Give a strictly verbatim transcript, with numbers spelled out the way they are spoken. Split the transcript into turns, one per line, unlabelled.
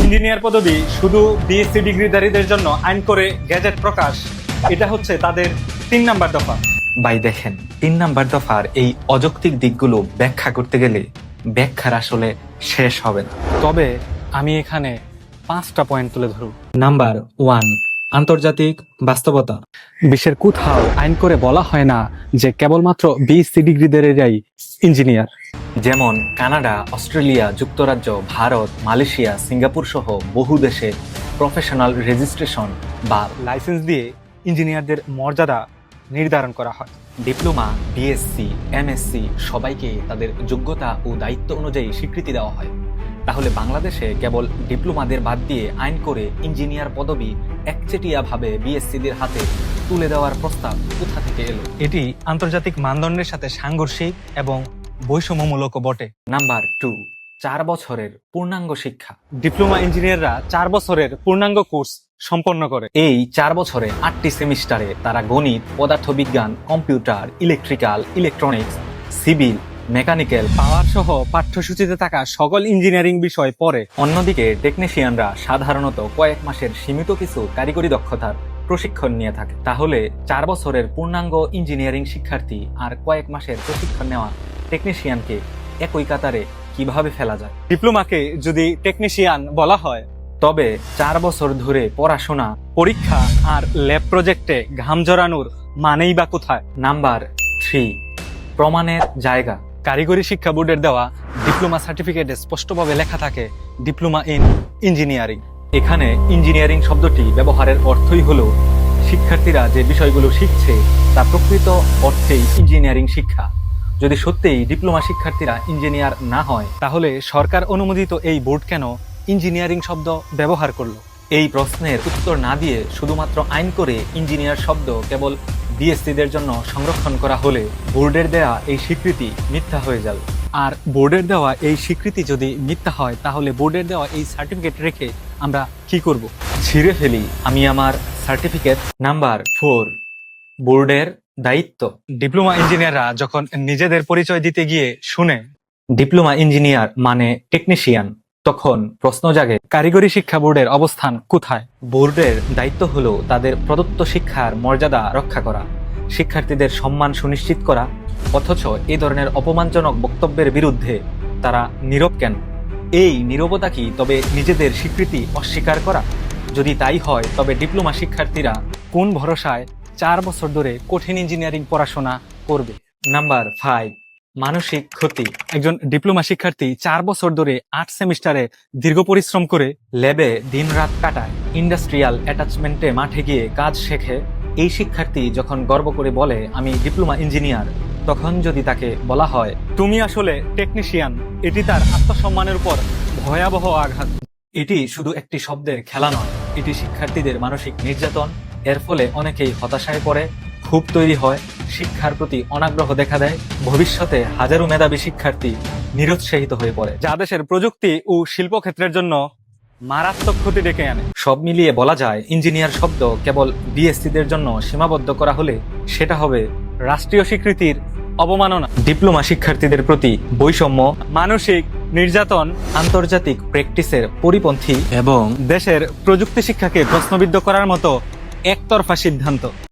Engineer পদবি শুধু BSc ডিগ্রিধারীদের জন্য আইন করে গ্যাজেট প্রকাশ, এটা হচ্ছে তাদের তিন নাম্বার দফা।
ভাই দেখেন, তিন নাম্বার দফার এই অযৌক্তিক দিকগুলো ব্যাখ্যা করতে গেলে ব্যাখ্যার আসলে শেষ হবে না।
তবে আমি এখানে পাঁচটা পয়েন্ট তুলে ধরব।
নাম্বার ওয়ান, আন্তর্জাতিক বাস্তবতা।
বিশ্বের কোথাও আইন করে বলা হয় না যে কেবলমাত্র বিএসসি ডিগ্রিধারীরাই ইঞ্জিনিয়ার।
যেমন কানাডা, অস্ট্রেলিয়া, যুক্তরাজ্য, ভারত, মালয়েশিয়া, সিঙ্গাপুর সহ বহু দেশে প্রফেশনাল রেজিস্ট্রেশন বা
লাইসেন্স দিয়ে ইঞ্জিনিয়ারদের মর্যাদা নির্ধারণ করা হয়।
ডিপ্লোমা, বিএসসি, এমএসসি সবাইকে তাদের যোগ্যতা ও দায়িত্ব অনুযায়ী স্বীকৃতি দেওয়া হয়। তাহলে বাংলাদেশে কেবল ডিপ্লোমাদের বাদ দিয়ে আইন করে ইঞ্জিনিয়ার পদবি একচেটিয়াভাবে বিএসসিদের হাতে তুলে দেওয়ার প্রস্তাব কোথা থেকে এলো?
এটি আন্তর্জাতিক মানদণ্ডের সাথে সাংঘর্ষিক এবং বৈষম্যমূলকও বটে।
নাম্বার টু, চার বছরের পূর্ণাঙ্গ শিক্ষা।
ডিপ্লোমা ইঞ্জিনিয়াররা চার বছরের পূর্ণাঙ্গ কোর্স সম্পন্ন করে।
এই চার বছরে আটটি সেমিস্টারে তারা গণিত, পদার্থবিজ্ঞান, computer, electrical, electronics, civil, mechanical,
power সহ পাঠ্যসূচিতে থাকা সকল ইঞ্জিনিয়ারিং বিষয় পড়ে।
অন্যদিকে টেকনিশিয়ানরা সাধারণত কয়েক মাসের সীমিত কিছু কারিগরি দক্ষতার প্রশিক্ষণ নিয়ে থাকে। তাহলে চার বছরের পূর্ণাঙ্গ ইঞ্জিনিয়ারিং শিক্ষার্থী আর কয়েক মাসের প্রশিক্ষণ নেওয়া টেকনিশিয়ানকে একই কাতারে কিভাবে ফেলা যায়?
ডিপ্লোমাকে যদি টেকনিশিয়ান বলা হয়,
তবে চার বছর ধরে পড়াশোনা,
পরীক্ষা আর ল্যাব প্রজেক্টে ঘাম জড়ানোর মানেই বা কোথায়?
নাম্বার থ্রি, প্রমাণের জায়গা।
কারিগরি শিক্ষা বোর্ডের দেওয়া ডিপ্লোমা সার্টিফিকেটে স্পষ্টভাবে লেখা থাকে ডিপ্লোমা ইন ইঞ্জিনিয়ারিং।
এখানে ইঞ্জিনিয়ারিং শব্দটি ব্যবহারের অর্থই হলো শিক্ষার্থীরা যে বিষয়গুলো শিখছে তা প্রকৃত অর্থেই ইঞ্জিনিয়ারিং শিক্ষা। যদি সত্যিই ডিপ্লোমা শিক্ষার্থীরা ইঞ্জিনিয়ার না হয়,
তাহলে সরকার অনুমোদিত এই বোর্ড কেন ইঞ্জিনিয়ারিং শব্দ ব্যবহার করলো?
এই প্রশ্নের উত্তর না দিয়ে শুধুমাত্র আইন করে ইঞ্জিনিয়ার শব্দ কেবল বিএসসিদের জন্য সংরক্ষণ করা হলে বোর্ডের দেয়া এই স্বীকৃতি মিথ্যা হয়ে যাবে।
আর বোর্ডের দেওয়া এই স্বীকৃতি যদি মিথ্যা হয়, তাহলে বোর্ডের দেওয়া এই সার্টিফিকেট রেখে আমরা কি করব?
ছিঁড়ে ফেলি আমি আমার সার্টিফিকেট। নাম্বার ফোর, বোর্ডের দায়িত্ব।
ডিপ্লোমা ইঞ্জিনিয়াররা যখন নিজেদের পরিচয় দিতে গিয়ে শুনে
ডিপ্লোমা ইঞ্জিনিয়ার মানে টেকনিশিয়ান, তখন প্রশ্ন জাগে,
কারিগরি শিক্ষা বোর্ডের অবস্থান কোথায়?
বোর্ডের দায়িত্ব হলো তাদের প্রদত্ত শিক্ষার মর্যাদা রক্ষা করা, শিক্ষার্থীদের সম্মান সুনিশ্চিত করা। অথচ এই ধরনের অপমানজনক বক্তব্যের বিরুদ্ধে তারা নীরব কেন? এই নীরবতা কি তবে নিজেদের স্বীকৃতি অস্বীকার করা? যদি তাই হয়, তবে ডিপ্লোমা শিক্ষার্থীরা
কোন ভরসায় চার বছর ধরে কঠিন ইঞ্জিনিয়ারিং পড়াশোনা করবে?
নাম্বার ফাইভ, মানসিক ক্ষতি।
একজন ডিপ্লোমা শিক্ষার্থী চার বছর ধরে আট সেমিস্টারে দীর্ঘ পরিশ্রম করে
ল্যাবে দিন রাত কাটায়, ইন্ডাস্ট্রিয়াল অ্যাটাচমেন্টে মাঠে গিয়ে কাজ শেখে। এই শিক্ষার্থী যখন গর্ব করে বলে আমি ডিপ্লোমা ইঞ্জিনিয়ার, তখন যদি তাকে বলা হয়
তুমি আসলে টেকনিশিয়ান, এটি তার আত্মসম্মানের উপর ভয়াবহ আঘাত।
এটি শুধু একটি শব্দের খেলা নয়, এটি শিক্ষার্থীদের মানসিক নির্যাতন। এর ফলে অনেকেই হতাশায় পড়ে, ক্ষোভ তৈরি হয়, শিক্ষার প্রতি অনাগ্রহ দেখা দেয়। ভবিষ্যতে হাজারো মেধাবী শিক্ষার্থী নিরুৎসাহিত হয়ে পড়ে,
যা দেশের প্রযুক্তি ও শিল্পক্ষেত্রের জন্য মারাত্মক ক্ষতি ডেকে আনে।
সব মিলিয়ে বলা যায়, ইঞ্জিনিয়ার শব্দ কেবল বিএসসিদের জন্য সীমাবদ্ধ করা হলে সেটা হবে
রাষ্ট্রীয় স্বীকৃতির অবমাননা,
ডিপ্লোমা শিক্ষার্থীদের প্রতি বৈষম্য,
মানসিক নির্যাতন,
আন্তর্জাতিক প্র্যাকটিসের পরিপন্থী এবং
দেশের প্রযুক্তি শিক্ষাকে প্রশ্নবিদ্ধ করার মতো একতরফা সিদ্ধান্ত।